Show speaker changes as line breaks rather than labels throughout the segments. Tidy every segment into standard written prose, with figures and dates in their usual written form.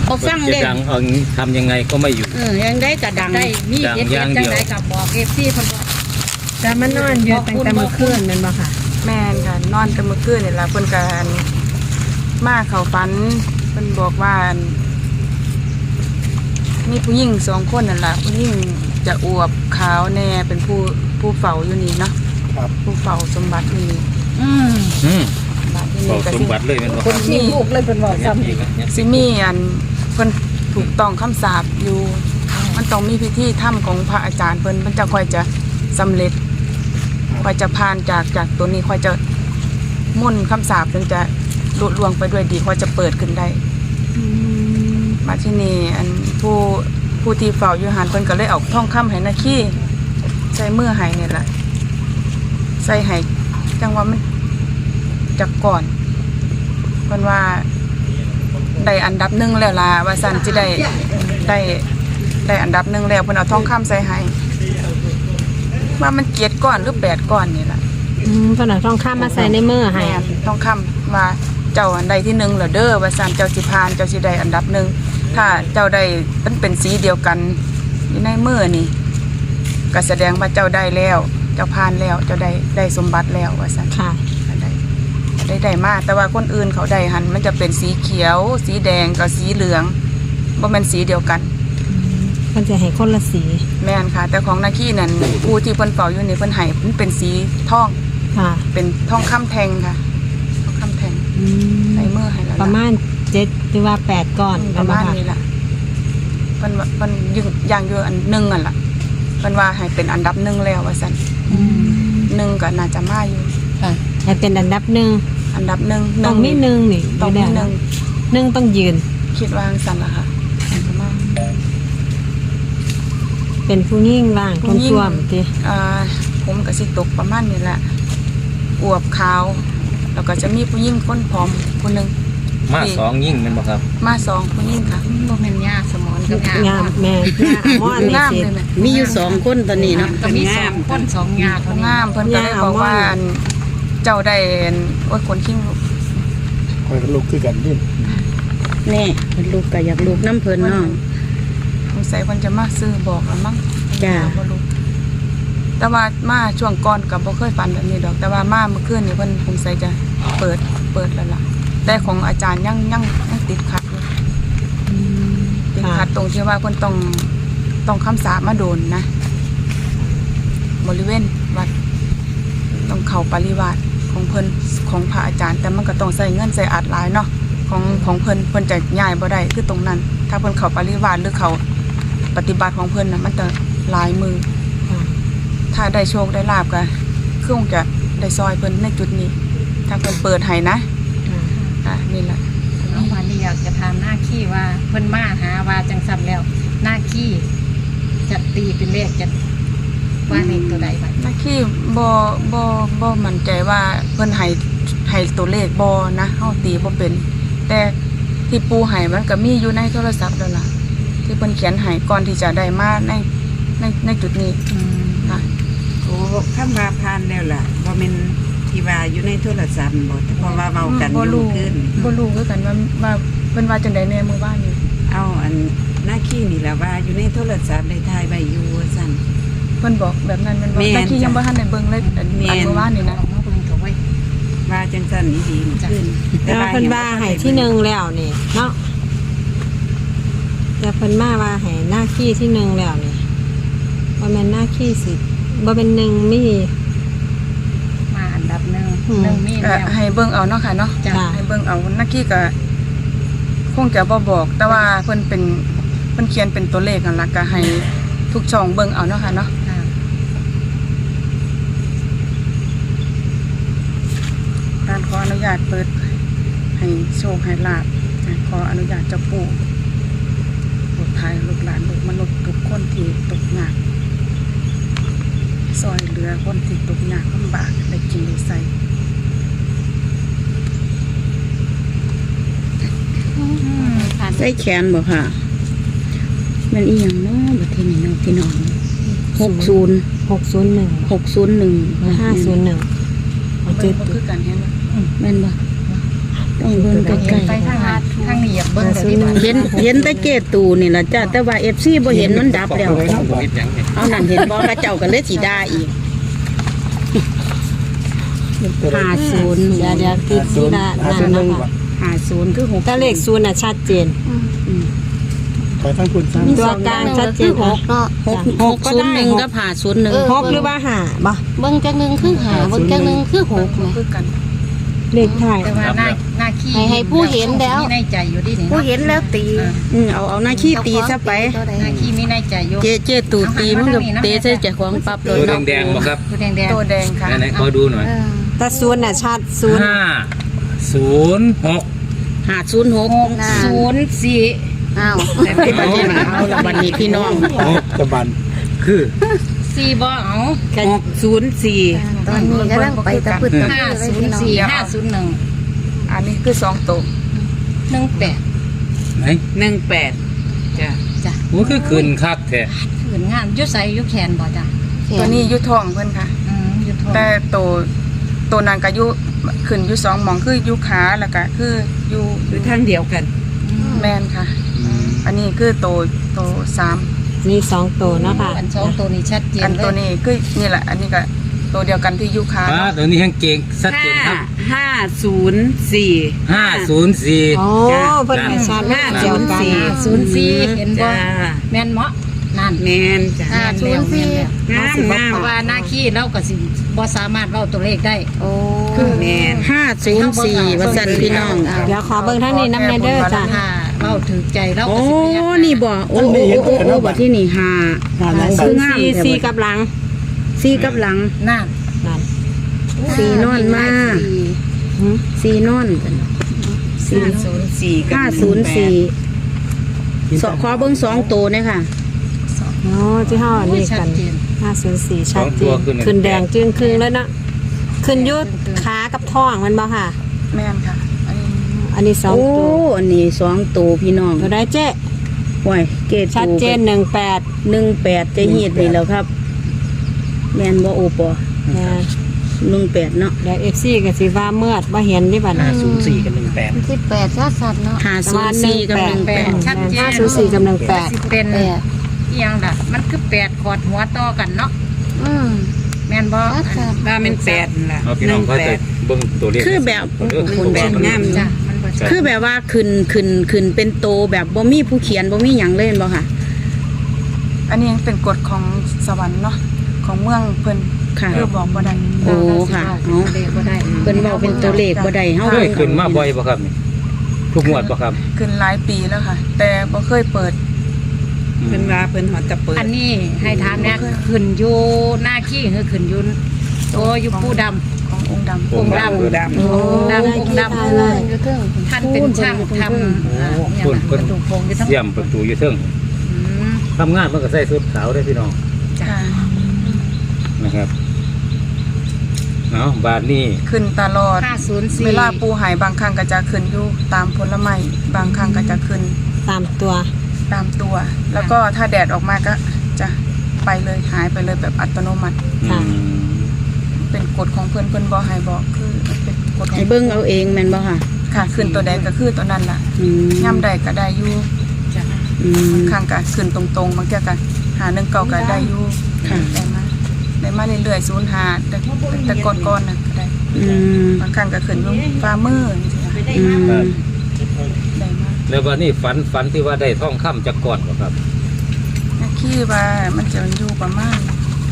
เขาฟังเล่น
ดังเอาทำยังไงก็ไม่อยู่
ยังได้กระดังได้มีเด็ดจังไดกับบอกFCเพิ่นว่า
แต่มันนอนอยู่ตั้งแต่เมื่อคืนแม่นบ่ค่ะ
แม่นค่ะนอนแต่เมื่อคืนนี่ล่ะเพิ่นก็มาเข้าฝันเพิ่นบอกว่ามีผู้หญิง2คนนั่นล่ะผู้หญิงจะอวบขาวแน่เป็นผู้เฝ้าอยู่นี่เนาะครับผู้เฝ้าสมบัติอยู่นี่บัดนี้ก็
สมบัติเลยเป็นว่า
คนมีลูกเลยเป็นบอกซ้
ำสิมีเพิ่นถูกต้องคำสาปอยู่มันต้องมีพิธีธรรมของพระอาจารย์เพิ่นมันจะค่อยจะสำเร็จค่อยจะผ่านจากตัวนี้ค่อยจะมุ่นคำสาปถึงจะลุล่วงไปด้วยดีค่อยจะเปิดขึ้นได้มาที่นี่ผู้ที่เฝ้าอยู่หันเพิ่นก็เลยเอาทองคำให้นาคีใส่มือให้เนี่ยแหละใส่ให้จังว่ามันจากก่อนเพิ่นว่าได้อันดับหนึ่งแล้วล่ะว่าสันจะได้อันดับหนึ่งแล้วเพิ่นเอาทองคำใส่ให้ว่ามัน7 ก้อนหรือ8 ก้อนนี่แหละ
เพิ่นเอาทองคำมาใส่ในมือให้
ทองคำว่าเจ้าอันใดที่1เหรอเด้อว่าสันเจ้าสิผ่านเจ้าสิได้อันดับ1ถ้าเจ้าได้มันเป็นสีเดียวกันอยู่ในมือนี่ก็แสดงว่าเจ้าได้แล้วเจ้าผ่านแล้วเจ้าได้สมบัติแล้วว่าสัน
ค่ะ
ได้มากแต่ว่าคนอื่นเขาได้หันมันจะเป็นสีเขียวสีแดงกับสีเหลืองบ่แม่นสีเดียวกัน
มันจะให้คนละสี
แม่นค่ะแต่ของนาคีนั่นผู้ที่เพิ่นเป่าอยู่นี่เพิ่นให้มันเป็นสีทอง
ค่ะ
เป็นทองคำแทงค่ะทองคำแทงในมือให้แล้ว
ประมาณ7หรือว่า8 ก้อน
ประมาณนี้ล่ะเพิ่นอย่างเยอะอันนึงอ่ะล่ะเพิ่นว่าให้เป็นอันดับ1แล้วว่าซั่น1ก็น่าจะมาอยู่
ค่ะ
ให้เป็นอันดับ1ต้องมี1นี่
ต้องมี
1ต้องยืน
คิดว่าซั่นล่ะค่ะ
เป็นผู้หญิงว่างคนท่วมติ
ผมก็สิตกประมาณนี้แหละอวบขาวแล้วก็จะมีผู้หญิงคนผอมคนนึง
มา2ยิ่งเป็นบ่ครับ
มา2ผู้หญิงค่ะ
บ่แม่นยาสมอนกับ
งามแม่มอนนี่สิ
มีอยู่2คนตอนนี้เนาะก็มี2คน2ยาเขา
งามเพิ่นก็เลยบอกว่าเจ้าได้โอ้ยคนขิ้งลูก
คอยลูกคือกันดิ
แน่เพิ่นลูกก็อยากลูกน้ำเพิ่นเนาะ
สงสัยเพิ่นจะมาซื้อบอกแล้วมั้ง
จ้า
บ่รู้แต่ว่ามาช่วงก่อนก็บ่เคยฝันแบบนี้ดอกแต่ว่ามาเมื่อคืนนี่เพิ่นสงสัยจะเปิดแล้วล่ะแต่ของอาจารย์ยังติดขัดอยู่ติดขัดตรงที่ว่าเพิ่นต้องคำสาปมาโดนนะบริเวณวัดต้องเข้าปริวาสของเพิ่นของพระอาจารย์แต่มันก็ต้องใส่เงินใส่อัดหลายเนาะของเพิ่นจะย้ายบ่ได้คือตรงนั้นถ้าเพิ่นเข้าปริวาสหรือเขาปฏิบัติของเพิ่นน่ะมันจะหลายมือถ้าได้โชคได้ลาภก็คงจะได้ซอยเพิ่นในจุดนี้ถ้าเพิ่นเปิดให้นะนี่แหละ
น้องวันนี้อยากจะถามหน้าขี้ว่าเพิ่นมาหาว่าจังซั่นแล้วหน้าขี้จะตีเป็นเลขจะว่าในตัวใดบัด
หน้าขี้บ่มั่นใจว่าเพิ่นให้ตัวเลขบ่นะเฮาตีบ่เป็นแต่ที่ปูให้มันก็มีอยู่ในโทรศัพท์แล้วล่ะที่เพิ่นเขียนให้ก่อนที่จะได้มาในจุดนี้ค่ะ
โอ้คำว่าผ่านแล้วล่ะบ่แม่นที่ว่าอยู่ในโทรศัพท์บ่เพราะว่าเว้ากันอยู่ขึ้น
บ่รู้คือกันว่าเพิ่นว่าจังได๋แน่มื้อวานนี้
เอาอันหน้าขี้นี่ล่ะว่าอยู่ในโทรศัพท์ได้ถ่ายไว้อยู่ว่าซั่น
เพิ่นบอกแบบนั้นมันว่าหน้าขี้ยังบ่ทันได้เบิ่งเลยอันมื้อวานนี่นะ
มาเบิ่งก็ไว้
ว่าจังซั่นนี่ดีขึ้น
แต่เพิ่นว่าให้ที่1แล้วนี่เนาะแต่เพิ่นมาว่าให้หน้าขี้ที่1แล้วนี่บ่แม่นหน้าขี้สิบ่เป็น1มี
มาอันดับ1มีแล้ว
ให้เบิ่งเอาเนาะค่ะเนาะให้เบิ่งเอาหน้าขี้ก็คงจะบ่บอกแต่ว่าเพิ่นเขียนเป็นตัวเลขนั่นล่ะก็ให้ทุกช่องเบิ่งเอาเนาะค่ะเนาะการขออนุญาตเปิดให้โชคให้ลาภขออนุญาตเจ้าปู่โปรดภัยลูกหลานลูกมนุษย์ทุกคนที่ตกยากซอยเหลือคนที่ตกยากลำบากได้กินได้ใส่
ใส่แขนบ่ค่ะมันอีหยังเนาะบัดทีนี้เนาะพี่น้อง
601 501
เอาเจ็ดคือกันแฮะ
แม่นบ่ต้องเบิ่ง
ใกล้
เห็นไปทางทางนี้อยากเบิ่งเลยดีกว่า
เห็นแต่เกตูนี่ล่ะจ้าแต่ว่า FC บ่เห็นมันดับแล้วเอานั่นเห็นบ่กระเจ้าก็เลยสิด่าอีก
50เดี๋ยวติดที่นั่นนะคะ
50คือ6
ถ้าเลข0น่ะชัดเจน
ไปทั้งคุณสร้าง
ตัวกลางชัดเจนค่ะ
601กับ501
6หรือว่า5บ่
เบิ่งจักหนึงคือหาเบิ่งจักหนึงคือหกแหม
คือกัน
เลขท้าย
แต่ว่าหน้าขี้
ให้ผู้เห็นแล้ว
มีในใจอยู่ดินี่
ผู้เห็นแล้วตี
เอาหน้าขี้ตีซะไป
หน้าขี้มีในใจอยู่
เจตูตีมันก็เตะใส่เจ้าของปั๊บเล
ตั
ยว เนาะ
แดงๆบ่ครับ
ตัวแดง
ตัวแดงค่ะ
ไหนๆขอดูหน่อย
แต่0น่ะชัด0
506
506
04
อ้าว
เอาละบัดนี้พี่น้อง
ตะบัน
คือ
4บ่เอา
604
ตอนนี้กำลังไปตะพึดตะพือเลยพี่น้อง
504 501
อันนี้คือ2ตัว
18
ไหน
จ้ะ
โอ้คือคืนคักแท้
ขืนงานอยู่ใส่อยู่แขนบ่จ้ะ
ตัวนี้อยู่ท้องเพิ่นค่ะ
อยู่ท้อง
แต่ตัวนั้นก็อยู่ขึ้นอยู่2หม่องคืออยู่ขาแล้วก็คืออยู่
คือทางเดียวกัน
แม่นค่ะ อันนี้คือตัว3
นี่2ตัวเนาะค่ะ
อันสองตัวนี้ชัดเจน
อัน
เลย
ตัวนี้คือนี่แหละ อันนี้ก็ตัวเดียวกันที่อยู่ขา
ป้าตัวนี้แห้งเก่งชัดเจนครับ
504
504
โอ้เพิ่นให้ชัดมากเดียวกัน
04เห็นบ่
จ้า
แม่นเหมาะนั่น
แม่นจ้ะ
504
งามงาม
เพราะว่าหน้าขี้เราก็สิบ่สามารถเว้าตัวเลขได้
โอ้
แม่น
504ว่าซั่นพี่น้อง
เดี๋ยวขอเบิ่งทางนี้นำแม่เด้อจ้ะ
ถ้าเว้าถึงใจเรา
โอ้
ก็สิพยายาม
นี่บ่โอ้บัดที่นี่5คืองาม
4กับหลัง
4กับหลัง
นั่น
นั่น
4นอนมา4นอนกัน
504กับ
504ขอเบิ่ง2ตัวเนี่ยค่ะ
โอ้ที่เฮาอันนี้
ชั
กั
ด
น
เจน
504ชัดเจ
สองตัวน ขึ้น
ขึ้นแดงจึงครึ่งแล้วเนาะขึ้นยุดขากับท้องมันบ่ค่ะ
แม่นค่ะ
อันนี้2
โอ้
ตัว
อันนี้2ตัวพี่น้อง
ตัวได้เจ๊
ห่วยเกต
ชัดเจน18
18จะเฮ็ดนี่แล้วครับ แม่นบ่โอปอ
นะ
18เนาะ
เดี๋ยว FC ก็สิว่าเมื่อบ่เห็นดิบัดนี้
04กับ18
18ชัดๆเนาะ
504กับ18
ชัดเจน
504กับ
สิเป็น
แปด
อีหยังล่ะมันคือ8ขอดหัวต่อกันเนาะ
อืม
แม่นบ่
ชัด
ว่ามัน8นั่นล่ะ
เอาพี่น้องเขาจะเบิ่งตัวเลข
คือแบบ
แปดงาม
จ้ะมันบ่ชัด
คือแบบว่าขึ้นเป็นโตแบบบ่มีผู้เขียนบ่มีหยังเลยเห็นบ่ค่ะ
อันนี้เป็นกฎของสวรรค์เนาะของเมืองเพิ่น
ค่ะ
คือบอกบ่ได้
โอ้ค่ะ
เนาะเลขบ่ได้
เพิ่นเว้าเป็นตัวเลขบ่ได้เฮา
เคยขึ้นมาบ่อยบ่ครับนี่ทุกงวดบ่ครับ
ขึ้นหลายปีแล้วค่ะ แต่บ่เคยเปิด
เพิ่นว่าเพิ่นฮอดจะเปิด
อันนี้ให้ถามเนี่ยขึ้นอยู่หน้าขี้คือขึ้นอยู่โตอยู่ผู้ดำ
ขององค์ดำ
องค์ดำ
ดำ
องค์ดำองค์ดำ
ๆอยู่เทิง
ท่านเป็นช่างทำอย่างกระดูกโครงอยู่ทั้ง
เยี่ยมประตูอยู่เทิง
อืม
ทำงานมันก็ใส่ชุดขาวได้อพี่น้อง
ค่ะ
นะครับเอาบาทนี้
ขึ้นตลอด
504
เวลาปูหายบางครั้งก็จะขึ้นอยู่ตามผลไม้บางครั้งก็จะขึ้น
ตามตัว
ตามตัว แล้วก็ถ้าแดดออกมาก็จะไปเลยหายไปเลยแบบอัตโนมัติ
ค่ะ
เป็นกฎของเพิ่นบ่ให้บอกคือเป็นกฎของ
ให้เบิ่งเอาเองแม่นบ่ค่ะ
ค่ะขึ้นตัวใดก็คือตัวนั้นล่ะ ย่ำใดก็ได้อยู่
อืม
บางครั้งก็ขึ้นตรงๆบางเทีก็หา1 9ก็ได้อยู่
ค่ะ
ได้มาเรื่อยๆ0 5แต่ก่อนๆน่ะก็ได้
อืม
บางครั้งก็ขึ้นอยู่ฝ่ามือจังซี่ค่ะ
อืม
ได้มา
แล้ววันนี้ฝันที่ว่าได้ท่องค่ำจากก่อนบ่ครับ
คิดว่ามันจะอยู่ประมาณ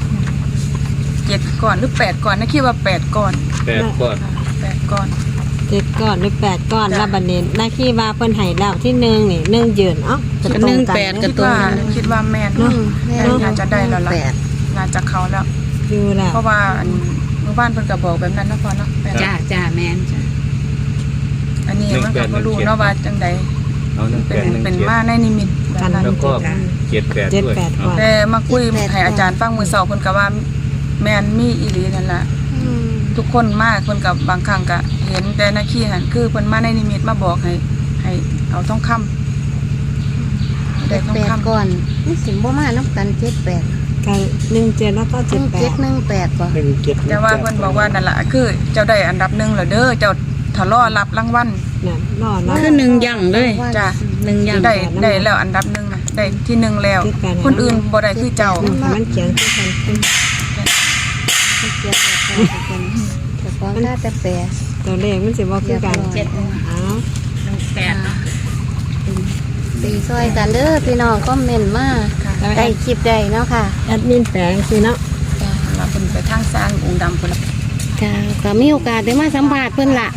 7ก่อนหรือ8ก่อนคิดว่า8ก่อน
8ก่อน
8ก่อน
7ก้อนหรือ8ก้อนแล้วบัดนี้หน้าที่ว่าเพิ่นให้แล้วที่1นี่1ยืนเอ้า
ก็
ตรงกัน
18ก็
คิด
ตรง
ว่า
กัน
คิดว่าแม่น
อืมแม่
น่าจะได้แล้วล่ะ
แปด
น่าจะเขาแล้ว
อยู่แล้ว
เพราะว่าอันเมื่อบ้านเพิ่นก็บอกแบบนั้นนะพ่อเนาะแม่น
จ้าแม่นจ้ะ
อันนี้มันก็บ่รู้เนาะว่าจังใด
เอา
เป็นมาในนิมิตแบบนั้น
แล้วก็78ด้วย
78ก่อน
แต่มาคุยให้อาจารย์ฟังมื้อเช้าเพิ่นก็ว่าแม่นมีอีหลีนั่นล่ะ
อืม
ทุกคนมาเพิ่นก็บางครั้งก็เห็นแต่นาคีนั่นคือเพิ่นมาในนิมิตมาบอกให้เอาทองคำได้ทอง
แปด
คำ
ก่อนนี่สิบ่มาน้ำกัน78
กัน17แล้วก็ 78
1718บ่
17
แต่ว่าเพิ่นบอกว่านั่นล่ะคือเจ้าได้อันดับ1แล้วเด้อเจ้าถ้ารอรับรางวัล
น่ะรอดเนาะ
คือหนึ่งอย่างเลย
จ้ะ
หนึ่งอย่าง
ได้แล้วอันดับหนึ่งนะได้ที่หนึ่งแล้ว
เจ็ดแปด
คนอื่นบ่ได้คือเจ้า
มันเขียนคือกัน
เกียรติแบบแต่ก็น่าจะแปล
ตัวเลขมันสิบ่คือกัน
เจ็ด
เอา
18เนาะ
ตีซอยกันเด้อพี่น้องคอมเมนต์มาได้คลิปได้เนาะค่ะ
แอดมินแปลงสิเนาะ
เราเป็นไปทางสร้างองค์ดำคนละ
ค่ะก็มีโอกาสได้มาสัมผัสเพิ่นละ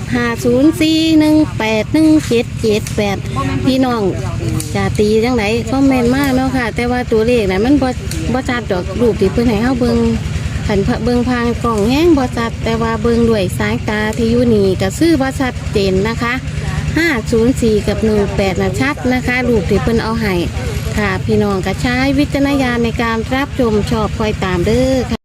504181778พี่น้องจะตีจังไดคอมเมนต์มาเนาะค่ะ แต่ว่าตัวเลขน่ะมันบ่ชัดดอกรูปที่เพิ่นให้เฮาเบิ่งขันเบิ่งพางกล่องแห้งบ่ชัดแต่ว่าเบิ่งด้วยสายตาที่อยู่นี่ก็ซื้อบ่ชัดเจนนะคะ504กับ18น่ะชัดนะคะรูปที่เพิ่นเอาให้ค่ะพี่น้องก็ใช้วิจารณญาณในการรับชมชอบคอยตามเด้อค่ะ